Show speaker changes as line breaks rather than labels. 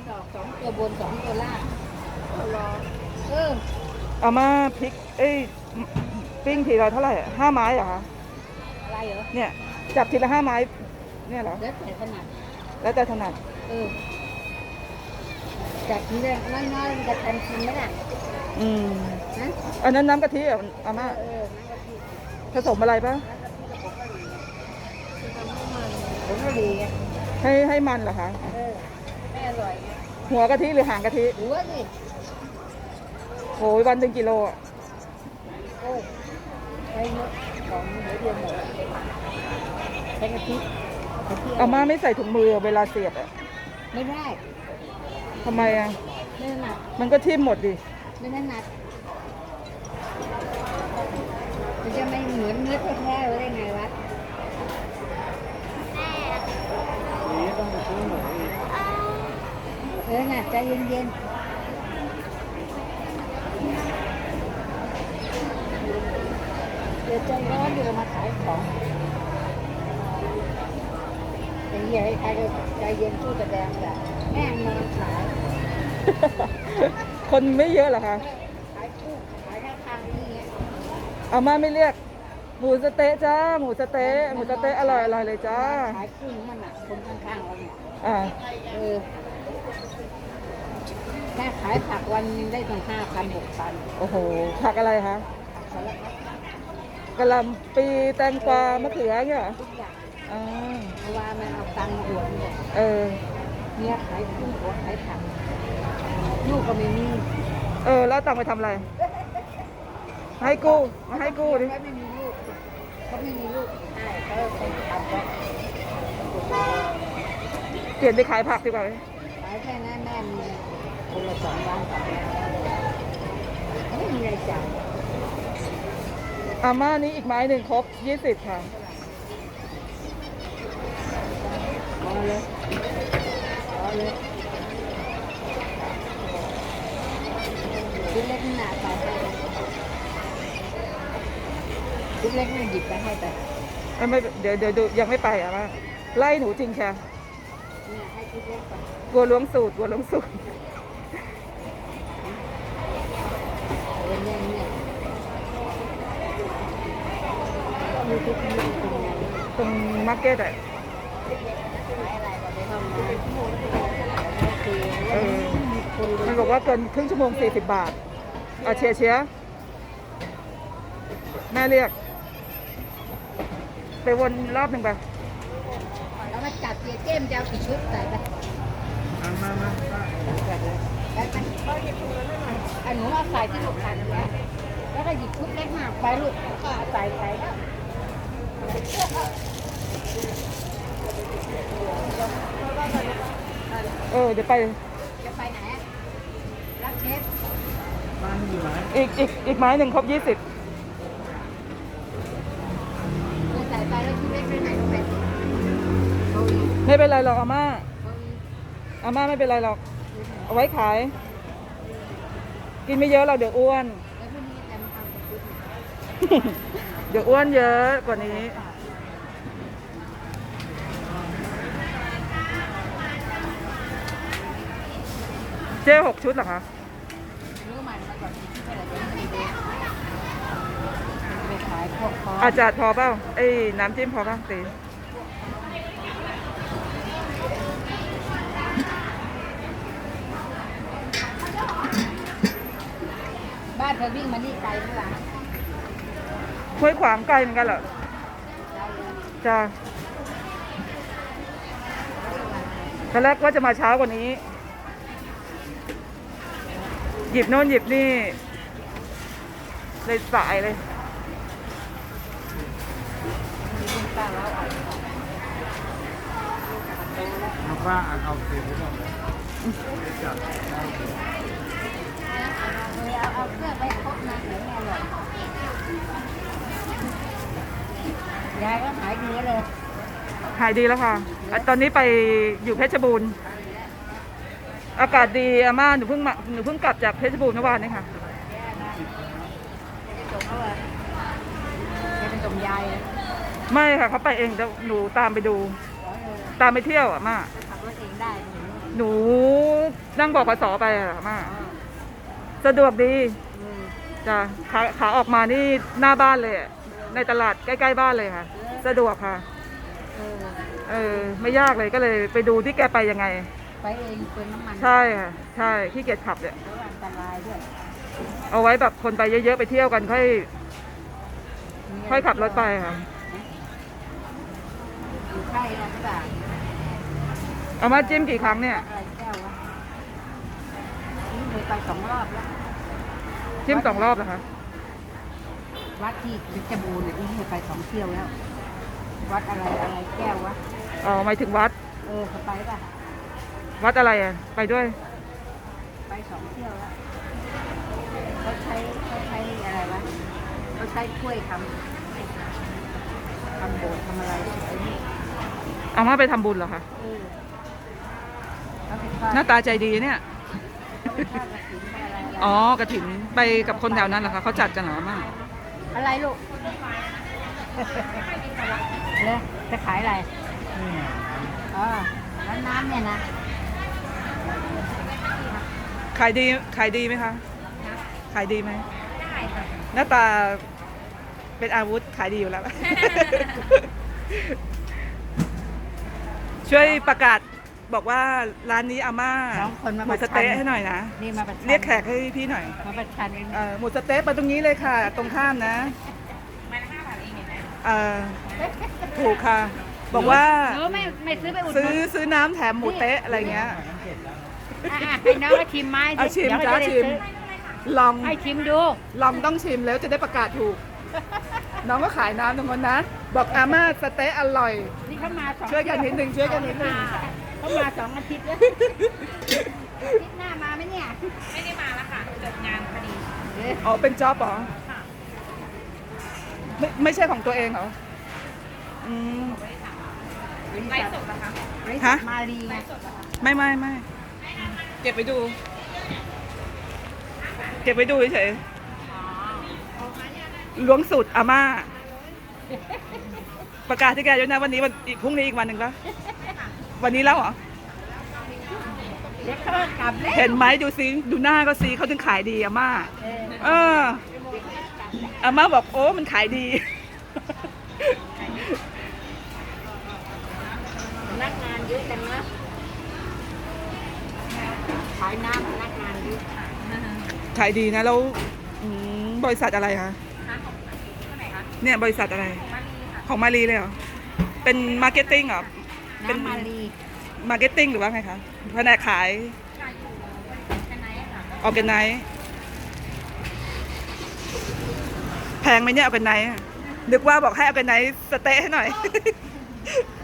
ดอก2 ตัวบน2 ตัวล่างรอ
เอามาพริกปิ้งทีละเท่าไหร่5 ไม้เหรอคะ
อะไรเหรอ
เนี่ยจับทีละ5 ไม้เนี่ยเหรอ
แล้วแต่ถนัด
แล้วแต่ถนัด
จับทีละน้อยๆมันจะทันกินไหมล่ะ
นะอันนั้นน้ำกะทิอาม่าผสมอะไรปะ
ผมก็ดี
ให้มันเหรอคะ
ไม่อร่อย
หัวกะทิหรือหางกะทิ
หัวสิ
โหวัน1 กิโลอ่ะ
โอ้ใช้เยอะของหัวเดียวหมดใช้กะทิ
อาม่าไม่ใส่ถุงมือเวลาเสียบอ่ะ
ไม่ได้
ทำไมอ่ะ
ไม่ถนัด
มันก็ทิ่มหมดดิ
ไม่ถนัดมันจะไม่เหมือนเนื้อแท้ๆได้ไงวะนี่ต้องซื้อหมูน่ะใจเย็นๆเดี๋ยวใจร้อนเดี๋ยวมาขายของอย่างนี้ใครก็ใจเย็นสู้แสดงแต่แม่นอนขาย
คนไม่เยอะเหรอคะ
ขายคู่ขายข้างๆนี่
อาม่าไม่เรียกหมูสเต๊ะจ้าหมูสเต๊ะอร่อยเลยจ้า
ขายคู่มันอ่ะคนข้างๆเราเนี่ยแค่ขายผักวันนึงได้ตั้ง5,000 6,000
โอ้โหผักอะไรคะกะหล่ำปีแตงกวามะเขือเนี่ย
ทุกอย่างเพราะว่ามันเอาตังค์มาอวดเนี่ยเนี่ยขายคู่หัวขายผักลูกก็ไม่มี
แล้วตังค์ไปทำอะไรให้กู้มาให้กู้ดิ
ไม่มีลูกเขาไม่มีลูกใช่เขาเป็นทำแล้ว
เปลี่ยนไปขายผักดีกว่า
ขายแค่นั้นแม่มีคนละ2 ล้าน3 ล้านไม่มีอะไรจ่าย
อาม่านี้อีกไม้หนึ่งครบ20ค่ะ
เอาเลยชิ้นเล็กหนาไปชิ้นเล็กมันหยิบไปให้ไป
ไม่เดี๋ยวดูยังไม่ไปอ่ะม่าไล่หนูจริงแค่
ให้ชิ้นเล็กไป
กลัวล้วงสูตรตรงมาร์เก็ตอ่ะมันบอกว่าเกินครึ่งชั่วโมง40 บาทเชียร์แม่เรียกไปวนรอบหนึ่งไป
แล้วมาจับเกมจะเอากี่ชุดใส่ไป
มา
หนูเอาใส่ที่ลูกค้าแล้วก็หยิบชุดเล็กมากไปลูกก็ใส่แล้ว
เดี๋ยวไป
จะไปไหนรับเชฟ
อีกไม้หนึ่งครบ20
ใส่ไปแล้วชุดเล็กไปไหนลงไป
ไม่เป็นไรหรอกอาม่าไม่เป็นไรหรอกเอาไว้ขายกินไม่เยอะเราเดี๋ยวอ้วนเดี๋ยวอ้วนเยอะกว่านี้เจ๊6 ชุดเหรอคะอาจารย์พอเปล่าน้ำจิ้มพอเปล่าตี
บ้านเธอวิ่งมานี่ไกลเท่าไหร่
ห้วยขวางไกลเหมือนกันเหรอจ้าตอนแรกว่าจะมาเช้ากว่านี้หยิบโน่นหยิบนี่เลยสายเลย
ป้าเอาเสียงหมดเลย
เอาเครื่องไปครบนะเดี๋ยวแม่เลยยายก็หายดีเลย
หายดีแล้วค่ะตอนนี้ไปอยู่เพชรบูรณ์อากาศดีอาม่าหนูเพิ่งกลับจากเพชรบูรณ์เมื่อวานนี้ค่ะ
เป็นส่งยาย
ไม่ค่ะเขาไปเองแต่หนูตามไปดูตามไปเที่ยวอ่ะม่า
ขับรถเองได้
หนูนั่งบอกขสไปอะอาม่าสะดวกดี
เออ
จ้ะขาออกมานี่หน้าบ้านเลยอะในตลาดใกล้ๆบ้านเลยค่ะ สะดวกค่ะ
เออ
ไม่ยากเลยก็เลยไปดูที่แกไปยังไง
ไปเองเปลืองน้ำมัน
ใช่ค่ะใช่ขี้เกียจขับเนี่ย
แล้วอันตรายด้วย
เอาไว้แบบคนไปเยอะๆไปเที่ยวกันค่อยขับรถไปค่ะ
อยู่ใช่แล้วจ้ะ
เอามาจิ้มกี่ครั้งเนี่ย
อะไรแก้ววะนี่เคยไป2 รอบแล้ว
จิ้ม2 รอบเหรอคะ
วัดที่เพชรบูรณ์เนี่ยนี่เคยไป2 เที่ยวแล้ว วัดอะไรแก้ววะ
อ๋อหมายถึงวัด
เขาไปป่ะ
วัดอะไรอ่ะไปด้วย
ไป2 เที่ยวแล้วเขาใช้อะไรวะเขาใช้กล้วยทำโบสถ์ทำอะไรไอ้นี่
เอามาไปทำบุญเหรอคะ
เขาเป็น
หน้าตาใจดีเนี่ย
เขาเป็นทอดกระถิ่นอะไร
อ๋อกระถินไปกับคนแถวนั้นเหรอคะเขาจัดกันเหรออามา
อะไรลูกเลยจะขายอะไรอ๋อแล้วน้ำเนี่ยนะ
ขายดีไหมคะขายดีไหม
ได้ค่ะ
หน้าตาเป็นอาวุธขายดีอยู่แล้ว ช่วยประกาศบอกว่าร้านนี้อาม่า
2 คนมา
หมู
ประ
ส
ชัน
เต๊ะให้หน่อยนะ
นี่มาประชัน
เรียกแขกให้พี่หน่อย
มาประชันกัน
หมูสเต๊ะมาตรงนี้เลยค่ะ ตรงข้ามนะถูกค่ะ บอกว่า
หนูไม่ซื้อไปอุดห
ซื้
นุ
อน ซื้อน้ำแถมหมูเต๊ะอะไรเงี้ย
ให้น้องก็ชิมไม้
เอาชิม
เดี๋ยว
จ้า
จะได้
ชิม
ซื้อ
ลอง
ให้ชิมดู
ลองต้องชิมแล้วจะได้ประกาศถูก น้องก็ขายน้ำตรงนั้นนะ บอกอาม่าสเต๊ะอร่อย
นี่เขามา2
ช่วยกันนิดนึงช่วยกันนิดนึง
เขามา2 อาทิตย์แล้วอาทิตย์หน้ามาไหมเนี่ย
ไม่ได้มาแล้วค่ะเกิดงานพอดี
อ๋อเป็นจ็อบเหรอไม่ใช่ของตัวเองเหรออืม
ไลฟ์สดเหรอคะ
บริษั
ฮะ
ทมารีไง
ไม่เก็บไปดู เก็บไปดูเฉยๆล้วงสูตรอาม่า ประกาศที่แกด้วยนะวันนี้พรุ่งนี้อีกวันหนึ่งแล้ววันนี้แล้วเหรอ
เดี๋ยวเขากลับแล้ว
เห็นไหมดูซิดูหน้าก็ซิเขาถึงขายดีอาม่า เอออาม่าบอกโอ้มันขายดี
พนักงานเยอะจังนะขายน้ำพนักงานเยอะ
ขายดีนะแล้วบริษัทอะไรคะ
ร้านของที่ไหนคะ
เนี่ยบริษัทอะไร
มารีค่ะ
ของมารีเลยเหรอเป็นมาร์เก็ตติ้งเหรอ เป็น
น้ำมารี
มาร์เก็ตติ้งหรือว่าไงคะแผนกขาย
ขายอยู่กันไหนค่ะ
ออร์แกไนซ์แพงไหมเนี่ยออร์แกไนซ์นึกว่าบอกให้ออร์แกไนซ์สเต๊ะให้หน่อย